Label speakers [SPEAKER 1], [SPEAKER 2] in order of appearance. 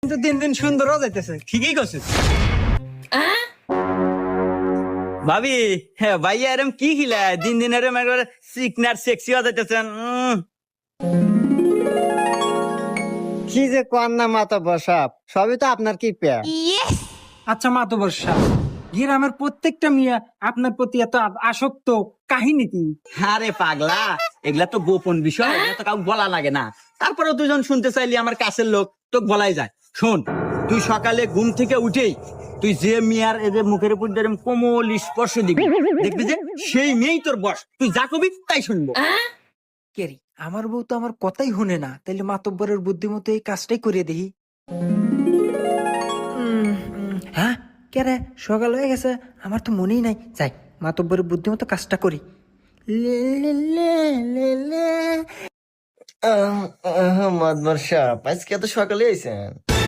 [SPEAKER 1] দিন দিন সুন্দর হয়ে যাইতেছে।
[SPEAKER 2] ঠিকই করছিস ভাবি। হ্যাঁ ভাইয়া এরম কি খিলা দিন দিন এরম একবার সিকনার সেক্সি হয়ে যাইতেছেন।
[SPEAKER 3] কি যে কর না মাতব্বর সাহেব, সবই তো আপনার কি পেয়া।
[SPEAKER 1] আচ্ছা মাতব্বর সাহেব, গ্রামের প্রত্যেকটা মিয়া আপনার প্রতি এত আসক্ত, কাহিনী কি?
[SPEAKER 2] আরে পাগলা, এগুলা তো গোপন বিষয়, এগুলা তো কাউকে বলা লাগে না। তারপরে দুজন শুনতে চাইলি আমার কাছের লোক তো বলাই যায়। শোন, তুই সকালে ঘুম থেকে উঠেই তুই যে মেয়ার এদের মুখের উপর দিয়ে এরম কোমল স্পর্শ দিবি, দেখবি যে সেই মেয়েই তোর বস। তুই যা কবি তাই শুনবো।
[SPEAKER 1] কেরি আমার বউ তো আমার কথাই শুনে না, তাইলে মাতব্বরের বুদ্ধিমতো এই কাজটাই করিয়ে দেখি। হ্যাঁ কে রে, সকাল হয়ে গেছে, আমার তো মনেই নাই। যাই মাতব্বরের বুদ্ধিমতো কাজটা করি। লে লে লে লে লে।
[SPEAKER 3] মাতব্বর সাহেব, আজকে এত সকালে আইছেন?